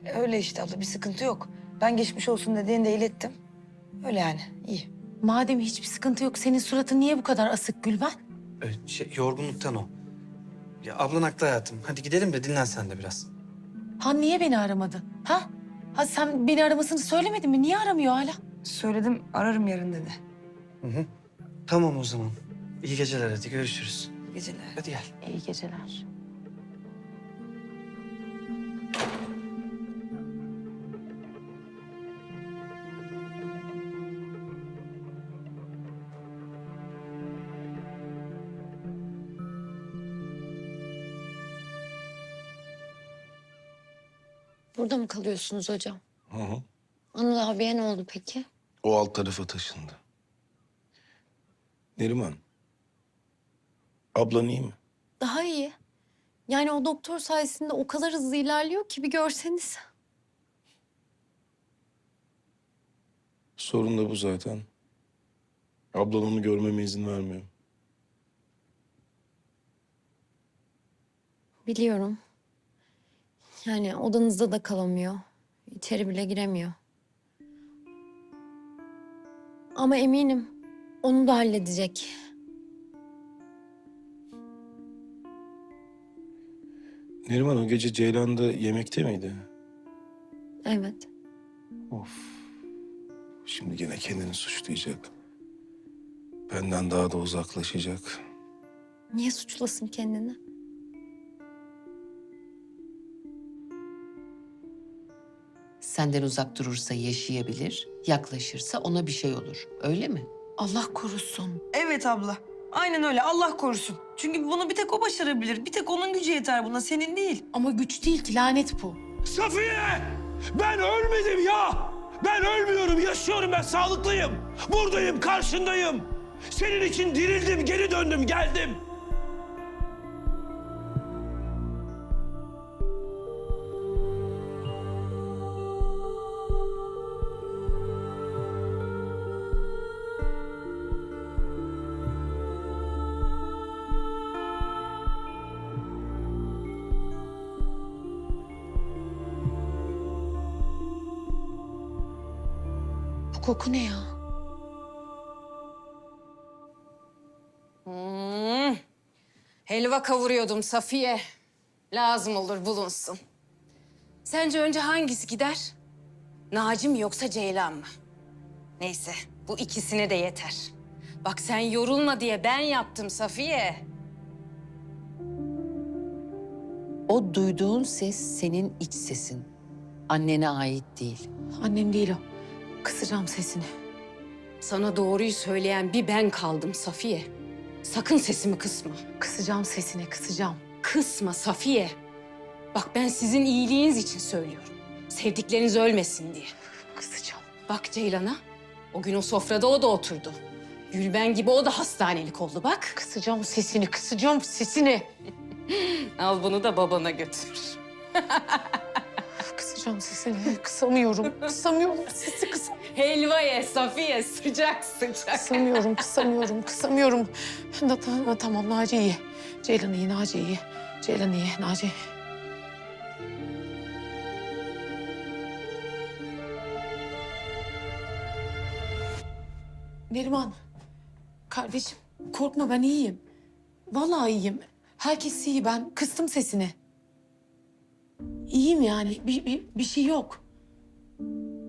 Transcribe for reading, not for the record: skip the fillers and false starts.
Öyle işte abla, bir sıkıntı yok. Ben geçmiş olsun dediğini de ilettim. Öyle yani, iyi. Madem hiçbir sıkıntı yok, senin suratın niye bu kadar asık Gülben? Yorgunluktan o. Ya ablan haklı hayatım. Hadi gidelim de dinlen sen de biraz. Ha niye beni aramadı? Ha? Ha sen beni aramasını söylemedin mi? Niye aramıyor hala? Söyledim, ararım yarın dedi. Tamam o zaman. İyi geceler, hadi görüşürüz. İyi geceler. Hadi gel. İyi geceler. Burada mı kalıyorsunuz hocam? Hı hı. Anıl abiye ne oldu peki? O alt tarafa taşındı. Neriman, ablan iyi mi? Daha iyi. Yani o doktor sayesinde o kadar hızlı ilerliyor ki bir görseniz. Sorun da bu zaten. Ablan onu görmeme izin vermiyor. Biliyorum. Yani odanızda da kalamıyor. İçeri bile giremiyor. Ama eminim onu da halledecek. Neriman o gece Ceylan'da yemekte miydi? Evet. Of. Şimdi gene kendini suçlayacak. Benden daha da uzaklaşacak. Niye suçlasın kendini? Senden uzak durursa yaşayabilir, yaklaşırsa ona bir şey olur. Öyle mi? Allah korusun. Evet abla, aynen öyle, Allah korusun. Çünkü bunu bir tek o başarabilir. Bir tek onun gücü yeter buna, senin değil. Ama güç değil ki, lanet bu. Safiye! Ben ölmedim ya! Ben ölmüyorum, yaşıyorum, ben sağlıklıyım. Buradayım, karşındayım. Senin için dirildim, geri döndüm, geldim. Bu koku ne ya? Helva kavuruyordum Safiye. Lazım olur bulunsun. Sence önce hangisi gider? Naci mi yoksa Ceylan mı? Neyse bu ikisine de yeter. Bak sen yorulma diye ben yaptım Safiye. O duyduğun ses senin iç sesin. Annene ait değil. Annem değil o. Kısacağım sesini. Sana doğruyu söyleyen bir ben kaldım Safiye. Sakın sesimi kısma. Kısacağım sesini, kısacağım. Kısma Safiye. Bak ben sizin iyiliğiniz için söylüyorum. Sevdikleriniz ölmesin diye. Kısacağım. Bak Ceylan'a. O gün o sofrada o da oturdu. Gülben gibi o da hastanelik oldu bak. Kısacağım sesini, kısacağım sesini. Al bunu da babana götür. Kısacağım sesini. Kısamıyorum, kısamıyorum. Sesi Helva ye Safiye sıcak sıcak. kısamıyorum, kısamıyorum, kısamıyorum. Tamam, Naci iyi. Ceylan iyi, Naci iyi. Ceylan iyi, Naci. Neriman, kardeşim korkma, ben iyiyim. Vallahi iyiyim. Herkes iyi, ben kıstım sesini. İyiyim yani, bir şey yok.